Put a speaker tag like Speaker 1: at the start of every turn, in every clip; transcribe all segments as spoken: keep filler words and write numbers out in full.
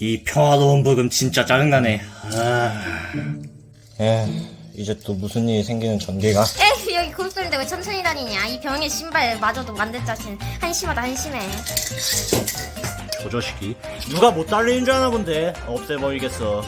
Speaker 1: 이 평화로운 부금 진짜 짜증나네. 아... 에, 이제 또 무슨 일이 생기는 전개가.
Speaker 2: 에휴, 여기 고속도로인데 왜 천천히 다니냐. 이 병의 신발 마저도 만들 자신 한심하다 한심해.
Speaker 1: 저 자식이 누가 못 달리는 줄 아나 본데. 없애버리겠어.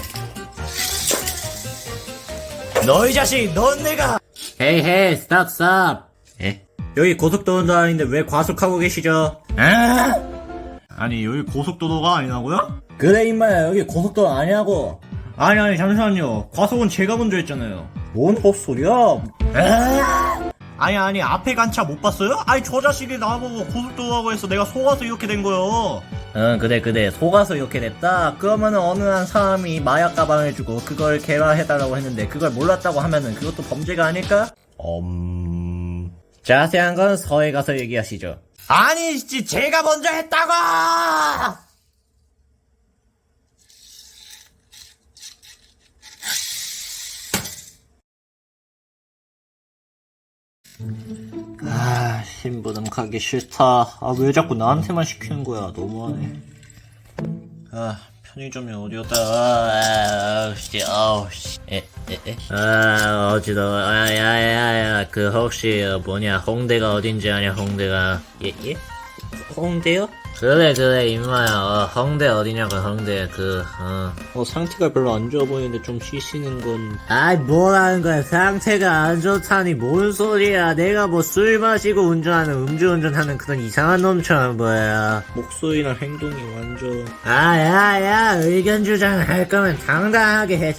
Speaker 1: 너희 자식, 넌 내가. 헤이 헤이, 스탑 스탑. 에? 여기 고속도로도 아닌데 왜 과속하고 계시죠? 아! 아니 여기 고속도로가 아니라고요? 그래 임마야, 여기 고속도로 아니라고. 아니 아니 잠시만요, 과속은 제가 먼저 했잖아요. 뭔 헛소리야. 아! 아니 아니 앞에 간 차 못 봤어요? 아니 저 자식이 나보고 고속도로라고 해서 내가 속아서 이렇게 된 거요. 응 그래 그래, 속아서 이렇게 됐다. 그러면은 어느 한 사람이 마약 가방을 주고 그걸 개발해달라고 했는데 그걸 몰랐다고 하면은 그것도 범죄가 아닐까? 음... 자세한 건 서해 가서 얘기하시죠. 아니 제가 먼저 했다고! 아, 심부름 가기 싫다. 아, 왜 자꾸 나한테만 시키는 거야. 너무하네. 아, 편의점이 어디였다. 아, 씨, 아우, 씨. 에, 에, 에. 아, 어지러워. 아, 야, 야, 야. 그, 혹시, 뭐냐, 홍대가 어딘지 아냐, 홍대가. 예, 예? 홍대요? 그래, 그래, 임마야. 어, 홍대 어디냐고, 홍대, 그, 어. 어, 상태가 별로 안 좋아 보이는데 좀 쉬시는 건. 아이, 뭐라는 거야. 상태가 안 좋다니, 뭔 소리야. 내가 뭐 술 마시고 운전하는, 음주운전 하는 그런 이상한 놈처럼 보여. 목소리나 행동이 완전. 아, 야, 야, 의견 주장을 할 거면 당당하게 해,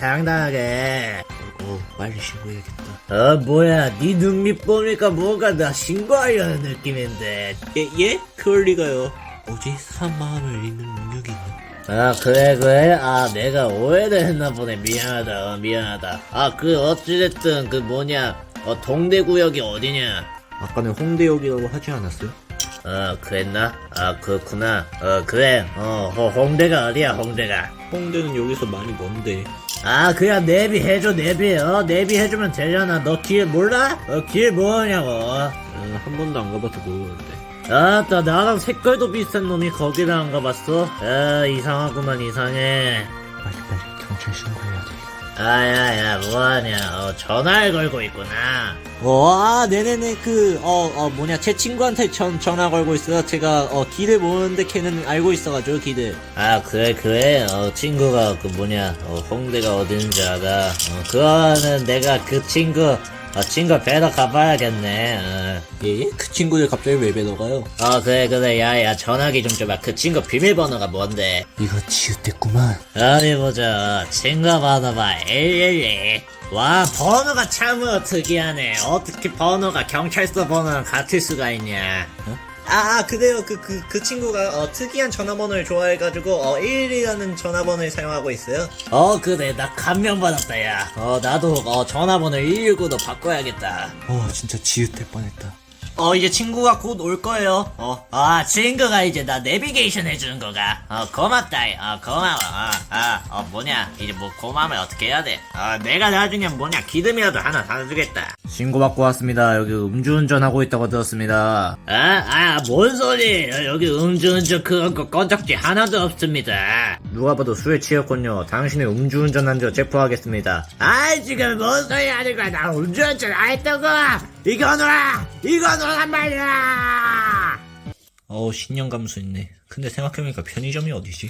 Speaker 1: 당당하게. 어, 빨리 신고해야겠다. 어, 뭐야, 네 눈밑 보니까 뭔가 나 신고하려는 느낌인데. 예, 예? 그럴 리가요. 뭐지? 사람 마음을 읽는 능력이 있나? 아, 그래, 그래? 아, 내가 오해를 했나 보네. 미안하다, 어, 미안하다. 아, 그, 어찌됐든, 그 뭐냐, 어, 동대구역이 어디냐? 아까는 홍대역이라고 하지 않았어요? 어, 그랬나? 아, 그렇구나. 어, 그래. 어, 호, 홍대가 어디야, 홍대가? 홍대는 여기서 많이 먼데. 아, 그냥 내비해줘, 내비. 어, 내비해주면 되잖아. 너 길 몰라? 어, 길 뭐냐고. 어, 한 번도 안 가봐서 모르는데. 아따, 나랑 색깔도 비슷한 놈이 거기를 안 가봤어? 아, 이상하구만, 이상해. 빨리빨리 경찰 신고해야 돼. 아야야, 뭐하냐. 어, 전화를 걸고 있구나. 어, 아, 네네네. 그, 어, 어, 뭐냐, 제 친구한테 전, 전화 걸고 있어요. 제가, 어, 길을 모르는데 걔는 알고 있어가지고, 길을. 아, 그래, 그래. 어, 친구가, 그 뭐냐, 어, 홍대가 어딘지 알아. 어, 그거는 내가 그 친구, 어, 친구 뵈러 가봐야겠네. 어. 예? 그 친구를 갑자기 왜 뵈러 가요? 어, 그래, 그래. 야, 야, 전화기 좀 줘봐. 그 친구 비밀번호가 뭔데? 이거 지읒됐구만. 어디 보자. 친구 번호 봐. 일일이. 와, 번호가 참으로 특이하네. 어떻게 번호가 경찰서 번호랑 같을 수가 있냐? 어? 아, 그래요. 그, 그, 그 친구가, 어, 특이한 전화번호를 좋아해가지고, 어, 일이라는 전화번호를 사용하고 있어요. 어, 그래. 나 감명받았다, 야. 어, 나도, 어, 전화번호 일일구로 바꿔야겠다. 어, 진짜 지읒될 뻔했다. 어, 이제 친구가 곧 올 거예요. 어. 아, 친구가 이제 나 내비게이션 해주는 거가. 어, 고맙다. 어, 고마워. 어, 아, 어, 뭐냐. 이제 뭐 고마움을 어떻게 해야 돼? 어, 내가 나중에 뭐냐. 기름이라도 하나 사주겠다. 신고받고 왔습니다. 여기 음주운전 하고 있다고 들었습니다. 아, 아, 뭔 소리. 여기 음주운전 그런 거 건적지 하나도 없습니다. 누가 봐도 술에 취했군요. 당신의 음주운전한 줄 체포하겠습니다. 아이, 지금 뭔 소리 하는 거야. 나 음주운전 안 했다고. 이거 놔! 이거 놔란 말이야! 어우, 신념 감수 있네. 근데 생각해보니까 편의점이 어디지?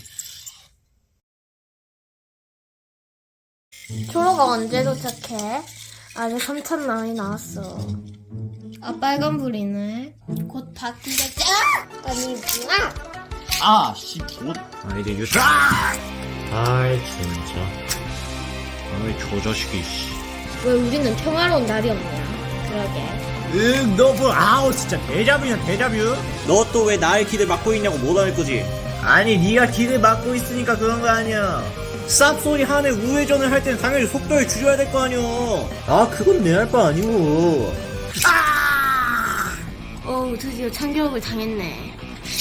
Speaker 2: 초로가 언제 도착해? 아직 삼천 원이 나왔어. 아, 빨간불이네. 곧 바뀌겠지? 아! 아니구나.
Speaker 1: 아, 씨, 뭐. 아, 이제 유튜브. 아이, 진짜. 아이, 저 자식이, 씨.
Speaker 2: 왜 우리는 평화로운 날이 없냐? 그러게.
Speaker 1: 응, 너 뭐, 아우, 진짜 대자뷰냐, 대자뷰? 너 또 왜 나의 길을 막고 있냐고 못할 거지? 아니, 네가 길을 막고 있으니까 그런 거 아니야. 쌉소리 하네 우회전을 할 땐 당연히 속도를 줄여야 될 거 아니오. 아, 그건 내 할 바 아니고. 아!
Speaker 2: 어우, 드디어 참교육을 당했네.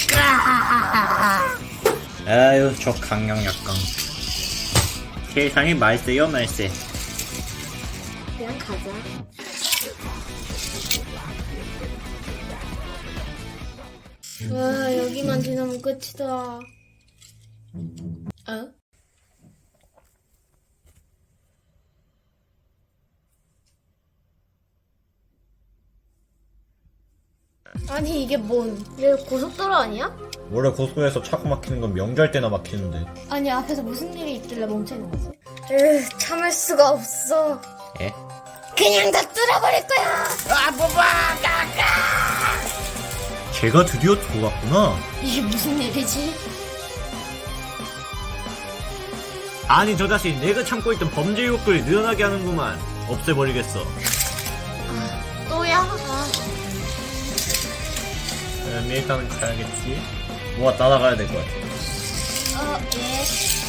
Speaker 1: 아유, 저 강력약강. 세상이 말세요, 말세.
Speaker 2: 그냥 가자. 와, 여기만 지나면 끝이다. 어? 아니 이게 뭔? 얘 고속도로 아니야?
Speaker 1: 원래 고속도로에서 차가 막히는 건 명절 때나 막히는데.
Speaker 2: 아니 앞에서 무슨 일이 있길래 멈춰있는 거지? 으 참을 수가 없어.
Speaker 1: 예?
Speaker 2: 그냥 다 뚫어버릴 거야.
Speaker 1: 아, 뭐봐! 제가 드디어 돌아왔구나.
Speaker 2: 이게 무슨 일이지?
Speaker 1: 아니 저 자식 내가 참고 있던 범죄 욕구를 늘어나게 하는구만. 없애버리겠어.
Speaker 2: 또야? 아.
Speaker 1: 음, 일단은 가야겠지. 뭐가 따라가야 될 것 같아.
Speaker 2: 어, 예.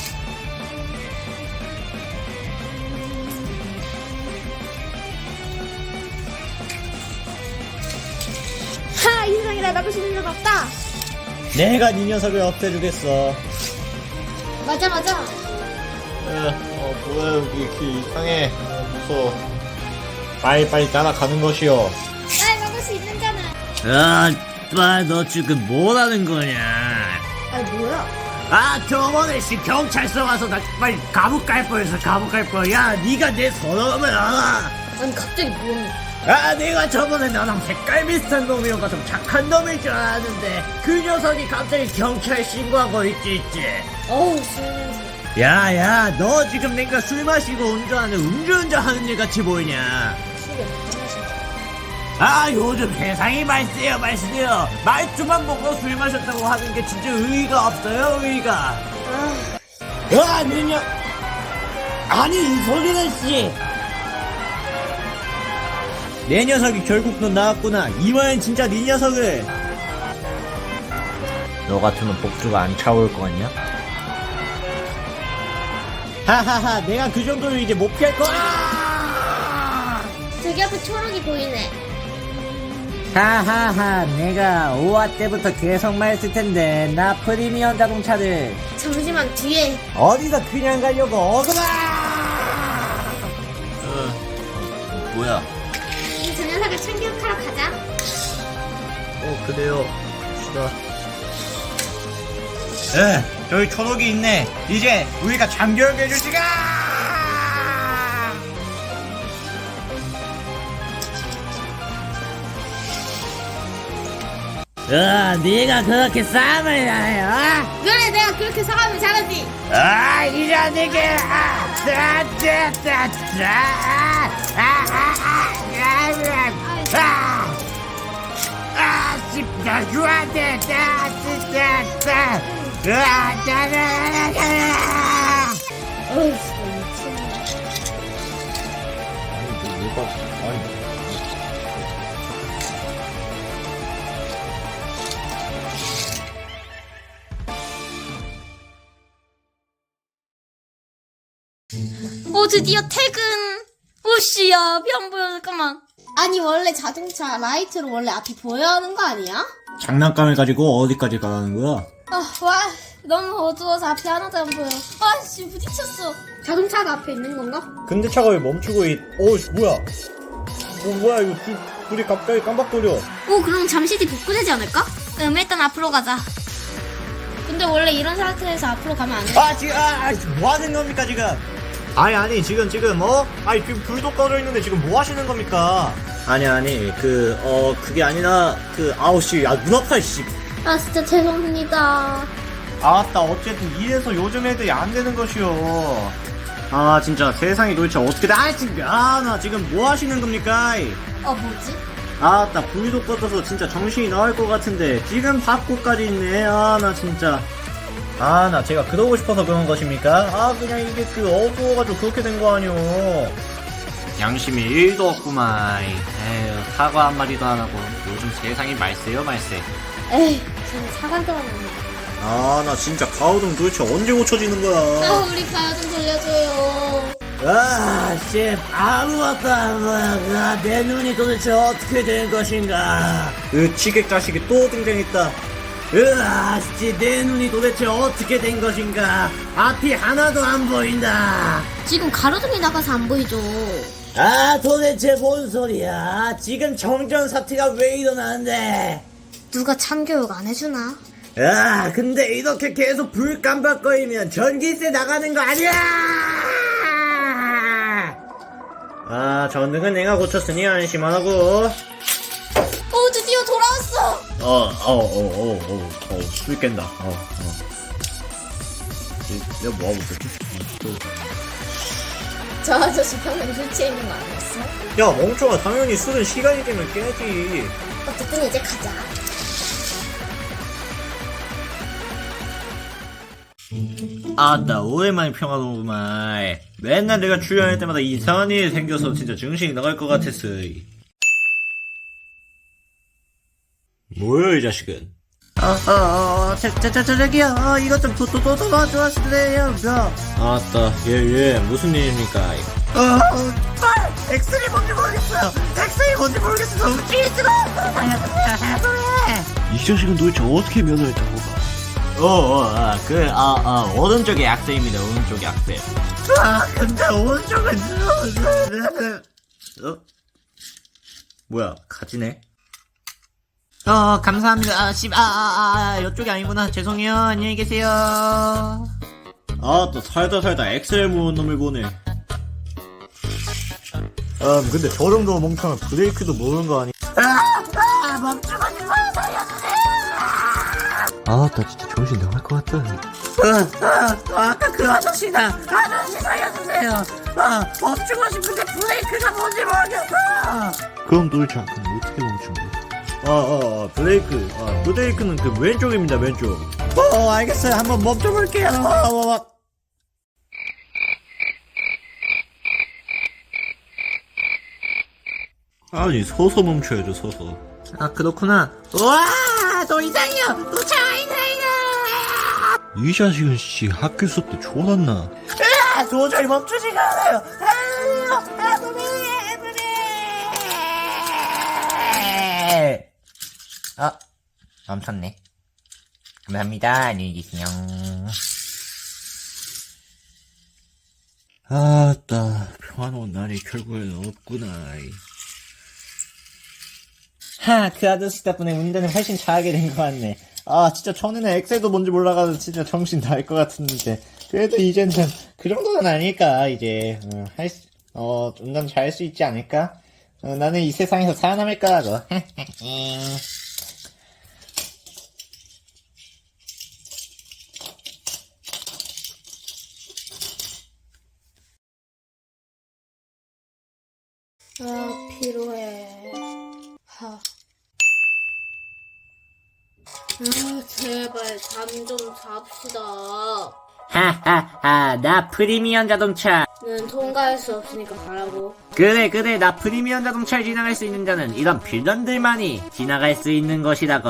Speaker 2: 하! 이 세상에 막을 수 있는 적 없다!
Speaker 1: 내가 네 녀석을 없애주겠어.
Speaker 2: 맞아, 맞아.
Speaker 1: 어, 뭐야 여기 길 이상해. 어, 무서워. 빨리빨리 따라가는 것이요.
Speaker 2: 날 막을 수 있는잖아.
Speaker 1: 아, 빠, 너 지금 뭐라는 거냐?
Speaker 2: 아니, 뭐야?
Speaker 1: 아, 저번에 씨 경찰서 가서 나 빨리 감옥 갈 뻔했어. 감옥 갈 뻔. 야, 네가 내 서러움을 알아.
Speaker 2: 아니, 갑자기 뭐야?
Speaker 1: 아, 내가 저번에 나랑 색깔 비슷한 놈이어서 좀 착한 놈일 줄 알았는데 그 녀석이 갑자기 경찰 신고하고 있지 있지.
Speaker 2: 어우, 술 냄새.
Speaker 1: 야야, 너 지금 내가 술 마시고 운전하는 음주운전 하는 일 같이 보이냐?
Speaker 2: 술이 없지, 진짜.
Speaker 1: 아, 요즘 세상이 말세요 말세요. 말투만 보고 술 마셨다고 하는 게 진짜 의의가 없어요, 의의가.
Speaker 2: 아,
Speaker 1: 아, 내냐? 아니, 이 소리는 씨. 내 녀석이 결국 넌 나왔구나. 이번엔 진짜 네 녀석을. 너 같으면 복수가 안 차올 거 아니야? 하하하, 내가 그 정도면 이제 못 피할 거야.
Speaker 2: 저기 앞에 초록이 보이네.
Speaker 1: 하하하, 내가 오화 때부터 계속 말했을 텐데 나 프리미엄 자동차를
Speaker 2: 잠시만, 뒤에.
Speaker 1: 어디서 그냥 가려고 어그마. 어, 어, 뭐야?
Speaker 2: 이 저 녀석을 참교육하러 가자.
Speaker 1: 어, 그래요. 갑시다. 에, 저기 초록이 있네. 이제 우리가 참교육해줄 시간! 어, 네가 그렇게 싸움을 하네, 어?
Speaker 2: 그래, 내가 그렇게 사람을 잘하지.
Speaker 1: 아, 이러니까, 아, 따, 따, 따, 따, 아, 아, 아, 아, 아, 아, 진짜 좋아한다, 따, 진짜, 따, 아, 따, 따, 따.
Speaker 2: 어우, 진짜 미치겠네.
Speaker 1: 아니, 뭐가, 아니.
Speaker 2: 오, 드디어 퇴근. 오씨야, 비 안 보여, 잠깐만. 아니, 원래 자동차 라이트로 원래 앞이 보여야 하는 거 아니야?
Speaker 1: 장난감을 가지고 어디까지 가라는 거야?
Speaker 2: 아, 와, 너무 어두워서 앞이 하나도 안 보여. 아, 씨, 부딪혔어. 자동차가 앞에 있는 건가?
Speaker 1: 근데 차가 왜 멈추고 있, 어우, 뭐야? 뭐, 뭐야, 이거 불, 불이 갑자기 깜박거려.
Speaker 2: 오, 그럼 잠시 뒤 복구되지 않을까? 음, 일단 앞으로 가자. 근데 원래 이런 상태에서 앞으로 가면 안 돼.
Speaker 1: 아, 지금, 아, 아, 뭐 하는 겁니까, 지금? 아니, 아니, 지금, 지금, 어? 아니, 지금 불도 꺼져 있는데 지금 뭐 하시는 겁니까? 아니, 아니, 그, 어, 그게 아니라, 그, 아우, 씨, 아, 눈 아파, 씨.
Speaker 2: 아, 진짜 죄송합니다.
Speaker 1: 아따, 어쨌든 이래서 요즘 애들이 안 되는 것이요. 아, 진짜 세상이 도대체 어떻게 돼? 아, 지금, 아, 나 지금 뭐 하시는 겁니까?
Speaker 2: 어, 뭐지?
Speaker 1: 아따, 불도 꺼져서 진짜 정신이 나갈 것 같은데 지금 바꾸까지 있네. 아, 나 진짜. 아, 나 제가 그러고 싶어서 그런 것입니까? 아, 그냥 이게 그 어두워가지고 그렇게 된 거 아니오. 양심이 일도 없구만. 에휴, 사과 한마디도 안 하고 요즘 세상이 말세요, 말세.
Speaker 2: 에이, 저는 사관 들어갑니다.
Speaker 1: 아, 나 진짜 가오등 도대체 언제 고쳐지는 거야?
Speaker 2: 아, 우리 가요 좀 돌려줘요.
Speaker 1: 아, 씨, 아무것도 안 보여. 내 눈이 도대체 어떻게 된 것인가? 으, 치객 자식이 또 등장했다. 으아, 씨, 내 눈이 도대체 어떻게 된 것인가? 앞이 하나도 안 보인다.
Speaker 2: 지금 가로등이 나가서 안 보이죠?
Speaker 1: 아, 도대체 뭔 소리야? 지금 정전 사태가 왜 일어나는데?
Speaker 2: 누가 참교육 안 해주나?
Speaker 1: 야, 근데 이렇게 계속 불 깜빡거리면 전기세 나가는 거 아니야! 아, 전등은 내가 고쳤으니 안심하라고.
Speaker 2: 오, 드디어 돌아왔어.
Speaker 1: 어, 어, 어, 어, 어, 어, 술 깬다. 어, 어. 내가 뭐하고 있었지?
Speaker 2: 저 아저씨 방금 술 취해 있는 거 아니었어?
Speaker 1: 야, 멍청아, 당연히 술은 시간이 되면 깨지.
Speaker 2: 어쨌든 이제 가자.
Speaker 1: 아, 나 오랜만에 평화로구만. 맨날 내가 출연할 때마다 이상한 일이 생겨서 진짜 정신이 나갈 것 같았어. 뭐야, 이 자식은? 어, 어, 어, 저, 저, 저, 저, 저기요, 어, 이것 좀 도, 도, 도, 도, 도와주실래요, 저. 아따, 예, 예, 무슨 일입니까? 어, 어, 빨! 엑스레이 뭔지 모르겠어요! 엑스레이 뭔지 모르겠어! 너무 찌릿스러! 이 자식은 도대체 어떻게 면허했다고 봐? 어, 어, 아, 그, 아, 아, 오른쪽에 약세입니다, 오른쪽에 약세. 아, 근데 오른쪽은, 어? 뭐야, 가지네? 어, 감사합니다. 아, 씨, 아, 아, 아, 이쪽이 아니구나. 죄송해요. 안녕히 계세요. 아, 또 살다 살다 엑셀 모은 놈을 보네. 아, 근데 저 정도 멍청한 브레이크도 모르는 거 아니? 아, 아, 멈추고 싶어요. 살려주세요. 아, 나 진짜 정신 나갈 것 같다. 아, 아, 아, 아까 그 아저씨다. 아저씨 살려주세요. 아, 멈추고 싶은데 브레이크가 뭔지 모르겠어. 그럼 도대체 아까 어떻게 멈춘 거야? 아, 아, 아, 브레이크. 아, 브레이크는 그 왼쪽입니다, 왼쪽. 어, 알겠어요. 한번 멈춰볼게요. 어, 어, 어. 아니, 서서 멈춰야죠, 서서. 아, 그렇구나. 와, 너 이상해요. 너 차 이상해요. 이 자식은 씨 학교 수업 때 졸았나? 아, 도저히 멈추지가 않아요. 살려주세요. 아, 노래, 노래. 아, 멈췄네. 감사합니다. 안녕히 계세요. 아따, 평화로운 날이 결국에는 없구나. 하, 그 아저씨 덕분에 운전을 훨씬 잘하게 된 것 같네. 아, 진짜 전에는 엑셀도 뭔지 몰라가지고 진짜 정신 나갈 것 같았는데. 그래도 이제는 그 정도는 아닐까, 이제. 어, 할 수, 어, 운전 잘할 수 있지 않을까? 어, 나는 이 세상에서 살아남을 거라고.
Speaker 2: 아, 피로해. 하. 아, 제발 잠 좀 잡시다.
Speaker 1: 하하하, 나 프리미엄 자동차.
Speaker 2: 는 통과할 수 없으니까 가라고.
Speaker 1: 그래, 그래, 나 프리미엄 자동차를 지나갈 수 있는 자는 이런 빌런들만이 지나갈 수 있는 것이라고.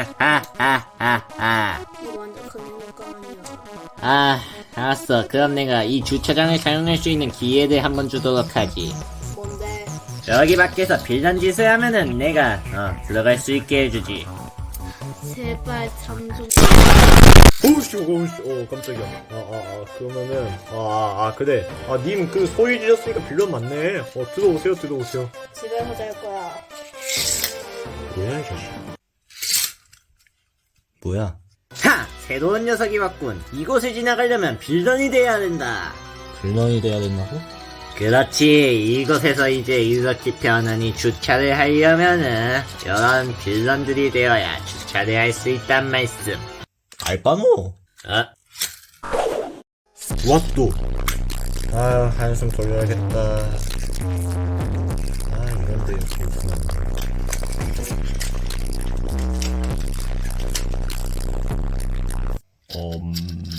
Speaker 1: 하하하하하.
Speaker 2: 이거 완전 큰일일 거 아니야.
Speaker 1: 아, 알았어. 그럼 내가 이 주차장을 사용할 수 있는 기회를 한번 주도록 하지.
Speaker 2: 뭔데?
Speaker 1: 여기 밖에서 빌런 짓을 하면은 내가 어 들어갈 수 있게 해주지.
Speaker 2: 제발 잠 좀.
Speaker 3: 오우씨, 오우씨, 어, 깜짝이야. 아, 아, 아, 그러면은, 아, 아, 아, 그래. 아, 님, 그, 소리 지르셨으니까 빌런 맞네. 어, 들어오세요, 들어오세요.
Speaker 2: 집에서 잘 거야.
Speaker 3: 뭐야, 이 자식.
Speaker 1: 뭐야? 하! 새로운 녀석이 왔군. 이곳을 지나가려면 빌런이 돼야 된다.
Speaker 3: 빌런이 돼야 된다고?
Speaker 1: 그렇지. 이곳에서 이제 이렇게 편안히 주차를 하려면은 이런 빌런들이 되어야 주차를 할 수 있단 말씀.
Speaker 3: 알바노?
Speaker 1: 어?
Speaker 3: 왔또. 아유, 한숨 돌려야겠다. 아, 이런데 이렇게 있구나. 음,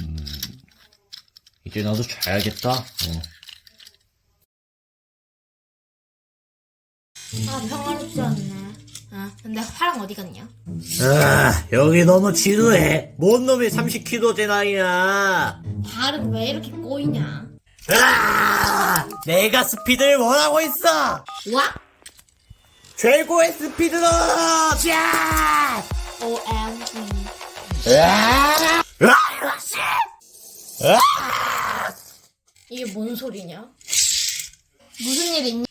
Speaker 3: 이제 나도 자야겠다. 어.
Speaker 2: 아, 평화롭지 않네. 아, 근데 화랑 어디 갔냐?
Speaker 1: 아, 여기 너무 지루해. 뭔 놈이 삼십 킬로그램 나이야.
Speaker 2: 발은 왜 이렇게 꼬이냐?
Speaker 1: 아, 내가 스피드를 원하고 있어.
Speaker 2: 와?
Speaker 1: 최고의 스피드로. 자!
Speaker 2: 오엠지.
Speaker 1: 으아! 으아, 이것이! 으아!
Speaker 2: 이게 뭔 소리냐? 무슨 일 있냐?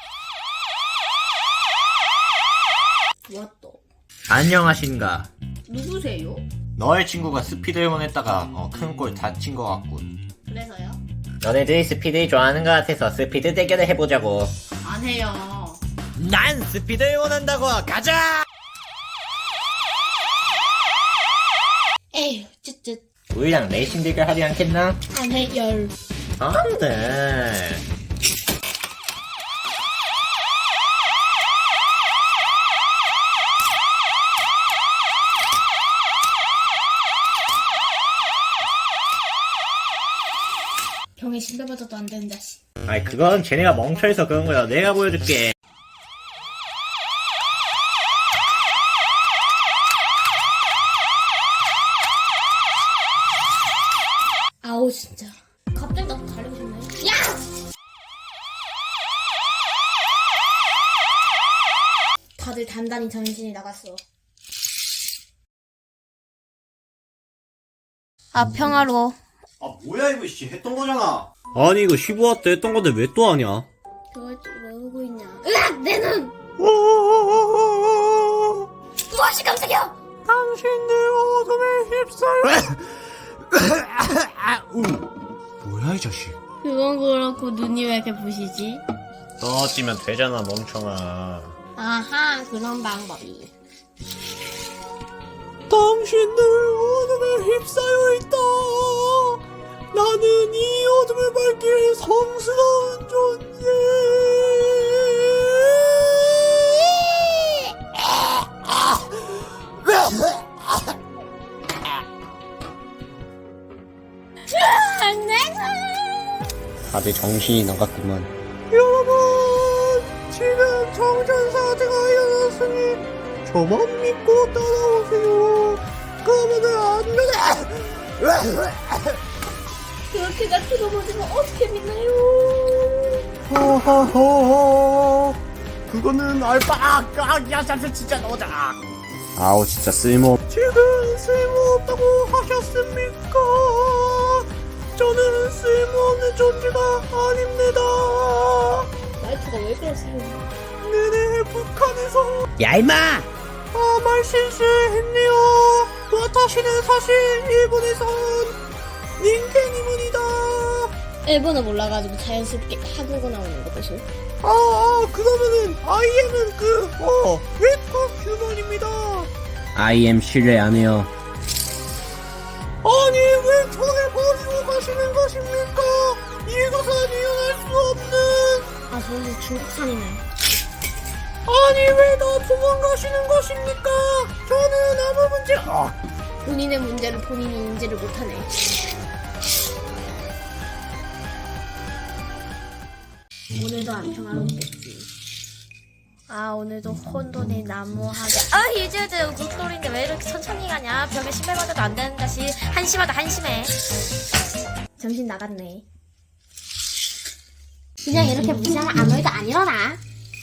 Speaker 2: 뭐 또?
Speaker 1: 안녕하신가.
Speaker 2: 누구세요?
Speaker 1: 너의 친구가 스피드 응원했다가 어, 큰 골 다친 것 같군.
Speaker 2: 그래서요?
Speaker 1: 너네들이 스피드 좋아하는 것 같아서 스피드 대결을 해보자고.
Speaker 2: 안 해요.
Speaker 1: 난 스피드 응원한다고. 가자.
Speaker 2: 에휴, 쯧쯧.
Speaker 1: 우리랑 레이싱 대결 하지 않겠나?
Speaker 2: 안 해요.
Speaker 1: 안돼.
Speaker 2: 병에 신발 받아도 안 되는 자식.
Speaker 1: 아이 그건 쟤네가 멍청해서 그런 거야. 내가 보여줄게.
Speaker 2: 아우 진짜. 갑자기 나도 달리고 싶네. 야! 다들 단단히 정신이 나갔어. 아 평화로워.
Speaker 1: 아 뭐야 이거 씨 했던 거잖아.
Speaker 3: 아니 이거 십오 와트 했던 건데 왜 또 하냐?
Speaker 2: 그걸 왜 울고 있냐? 으악! 내 눈! 무엇이 깜짝이야!
Speaker 3: 당신들 어둠에 휩싸여. 뭐야 이 자식?
Speaker 2: 그건 그렇고 눈이 왜 이렇게 부시지?
Speaker 1: 떠지면 되잖아 멍청아.
Speaker 2: 아하 그런 방법이.
Speaker 3: 당신들 어둠에 휩싸여 있다. 나는 이 어둠을 밝힐 성스러운 존재.
Speaker 1: 다들 정신이 나갔구만.
Speaker 3: 여러분, 지금 정전사태가 일어났으니 저만 믿고 따라오세요. 그러면은 안 되네.
Speaker 2: 그렇게 나 들어보지만 어떻게 믿나요?
Speaker 3: 허허허허. 그거는 알바. 아, 아, 야, 잠시 진짜 너다.
Speaker 1: 아우 진짜 쓸모.
Speaker 3: 지금 쓸모없다고 하셨습니까? 저는 쓸모없는 존재가 아닙니다.
Speaker 2: 말투가 왜 그러세요?
Speaker 3: 네네, 북한에서
Speaker 1: 야 임마.
Speaker 3: 아, 말 실수했네요. 와타시는 사실 일본에서 닌텐이문이다.
Speaker 2: 일본어 몰라가지고 자연스럽게 한국어 나오는 거 보소.
Speaker 3: 아, 아, 그러면은 아이엠은 그, 어, 웹툰 휴먼입니다.
Speaker 1: 아이엠 신뢰 안 해요.
Speaker 3: 아니, 왜 저를 버리고 가시는 것입니까? 이것은 이해할 수 없는.
Speaker 2: 아 저는 중국산이네.
Speaker 3: 아니, 왜 나 도망가시는 것입니까? 저는 아무 문제, 아,
Speaker 2: 본인의 문제를 본인이 인지를 못하네. 오늘도 안 평화롭겠지. 아 오늘도 혼돈이 난무하게. 아 이제들 목소리인데 왜 이렇게 천천히 가냐. 벽에 신발 받아도 안 되는 자식. 한심하다 한심해. 정신 나갔네. 그냥 이렇게 무시하면 아무 일도 안 일어나.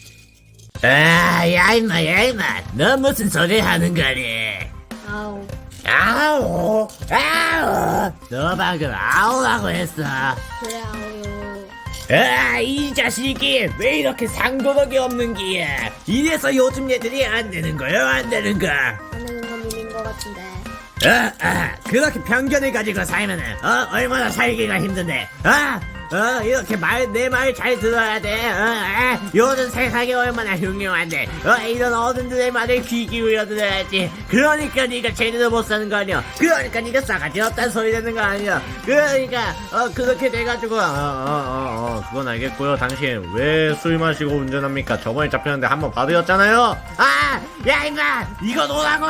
Speaker 1: 아, 야 임마, 야 임마, 너 무슨 소리 하는 거니?
Speaker 2: 아우
Speaker 1: 아우, 아우, 너 방금 아우라고 했어.
Speaker 2: 그래 아우요.
Speaker 1: 아, 이 자식이 왜 이렇게 상도덕이 없는 기야? 이래서 요즘 애들이 안 되는 거요, 안 되는 거?
Speaker 2: 안 되는 건 님인 것 같은데.
Speaker 1: 아, 아, 그렇게 편견을 가지고 살면은, 어, 얼마나 살기가 힘든데, 아, 어, 이렇게 말, 내 말 잘 들어야 돼, 어, 아, 요즘 세상이 얼마나 흉흉한데, 어, 이런 어른들의 말을 귀 기울여 들어야지. 그러니까 네가 제대로 못 사는 거 아니야. 그러니까 네가 싸가지 없다는 소리 되는 거 아니야. 그러니까, 어, 그렇게 돼가지고, 어, 어, 어, 어, 그건 알겠고요. 당신 왜 술 마시고 운전합니까? 저번에 잡혔는데 한 번 받으셨잖아요. 아, 야, 임마, 이거 놓으라고!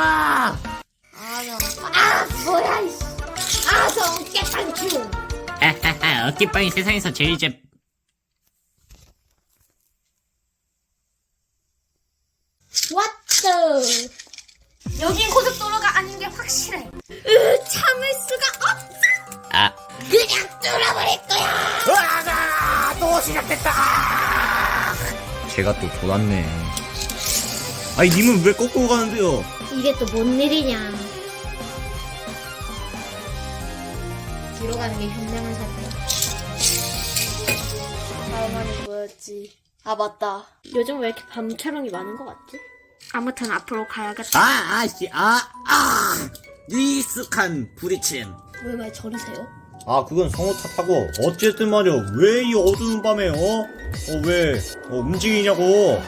Speaker 2: 아 뭐야 이씨. 아 저 어깨빵충.
Speaker 1: 하하하, 어깨빵이 세상에서 제일 제...
Speaker 2: 왓더. 여긴 고속도로가 아닌 게 확실해. 으 참을 수가 없어.
Speaker 1: 아,
Speaker 2: 그냥 뚫어버릴 거야.
Speaker 1: 으아가! 또 시작됐다!
Speaker 3: 제가 또 돌았네. 아니, 님은 왜 꺾고 가는데요?
Speaker 2: 이게 또 뭔 일이냐. 뒤로 가는 게 현명한 선택. 다음화는 뭐였지? 아 맞다. 요즘 왜 이렇게 밤 촬영이 많은 것 같지? 아무튼 앞으로 가야겠다.
Speaker 1: 아, 아씨, 아, 아! 익숙한 부딪힘.
Speaker 2: 왜 말 저리세요?
Speaker 3: 아, 그건 성우 탓하고, 어쨌든 말이야, 왜 이 어두운 밤에, 어? 어, 왜, 어, 움직이냐고.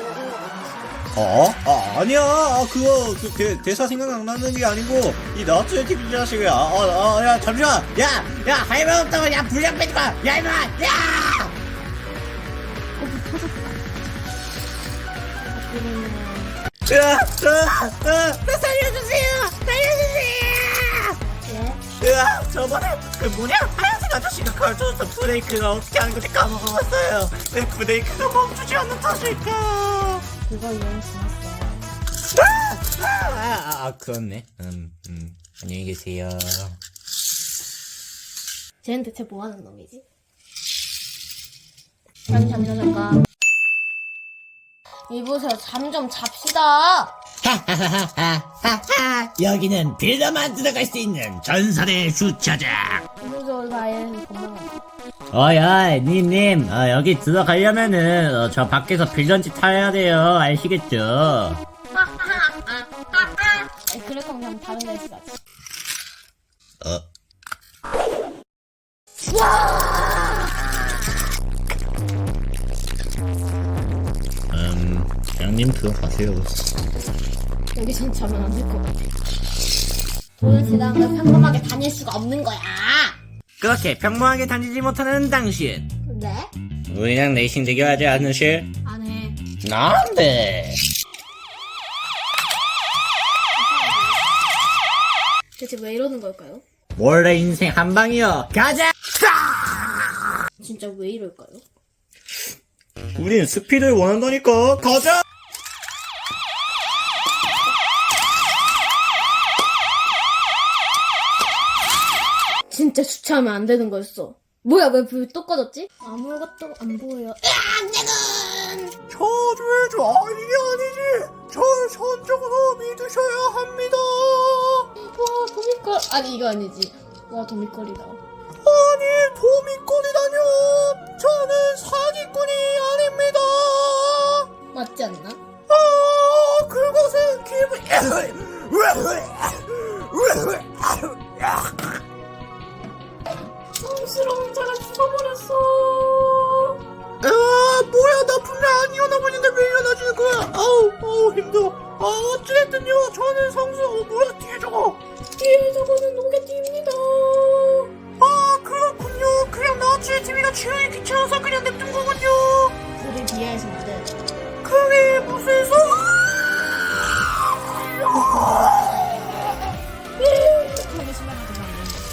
Speaker 3: 어? 아, 아니야. 아, 그거, 그, 대, 대사 생각 안 나는 게 아니고, 이 나츠의 티비 자식이, 아, 아, 아, 야, 잠시만! 야! 야, 할말 없다고, 야, 불량 빼지 마! 야, 이마! 야! 으아, 으아, 으아, 나 살려주세요! 살려주세요!
Speaker 2: 예?
Speaker 3: 으아, 저번에 그 뭐냐 하얀색 아저씨가 가르쳐줬던 브레이크가 어떻게 하는 건지 까먹어봤어요. 왜 브레이크가 멈추지 않는 탓일까?
Speaker 2: 그거 유행 지났어요.
Speaker 3: 아, 아, 아 그렇네. 음, 음, 안녕히 계세요.
Speaker 2: 쟤는 대체 뭐 하는 놈이지? 잠, 잠시만, 잠깐. 이보세요, 잠 좀 잡시다!
Speaker 1: 하하하하하하. 여기는 빌더만 들어갈 수 있는 전설의 주차장.
Speaker 2: 이보세요, 나의 건강한
Speaker 1: 어야, 님님, 어, 여기 들어가려면은 어, 저 밖에서 빌런지 타야 돼요. 아시겠죠?
Speaker 2: 아니, 그럴 거면 그냥 다른 데서 가지.
Speaker 1: 어. 음, 양님 들어가세요.
Speaker 2: 여기선 자면 안 될 것 같아. 돈을 지나간 걸 평범하게 다닐 수가 없는 거야!
Speaker 1: 그렇게 평범하게 다니지 못하는 당신.
Speaker 2: 네?
Speaker 1: 우리랑 레이싱 대결하지 않으실?
Speaker 2: 안 해.
Speaker 1: 안돼.
Speaker 2: 대체 왜 이러는 걸까요?
Speaker 1: 원래 인생 한 방이여. 가자.
Speaker 2: 진짜 왜 이럴까요?
Speaker 3: 우린 스피드를 원한다니까. 가자.
Speaker 2: 진짜 주차하면 안 되는 거였어. 뭐야, 왜 불 또 꺼졌지? 아무것도 안 보여.
Speaker 3: 저주해줘. 아, 이게 아니지. 저를 선적으로 믿으셔야 합니다.
Speaker 2: 와, 도미걸. 아니, 이거 아니지. 와, 도미걸이다.
Speaker 3: 아니, 도미꼴이라뇨. 저는 사기꾼이 아닙니다.
Speaker 2: 맞지 않나?
Speaker 3: 아, 그것은 기분.
Speaker 2: 성스러운 자가 죽어버렸어.
Speaker 3: 아, 뭐야, 나 분명 안 일어나고 있는데 왜 일어나지는 거야? 아우, 아우, 힘들어. 아, 어찌됐든요, 저는 성수. 어, 뭐야, 뒤에 저거.
Speaker 2: 뒤에 저거는 노게띠입니다.
Speaker 3: 아, 그렇군요. 그냥 나치의 티비가 치우기 귀찮아서 그냥 냅둔 거군요.
Speaker 2: 우리 비하해서 안 돼.
Speaker 3: 그게 무슨 소?
Speaker 2: 하기 심하게 되면 안 된다.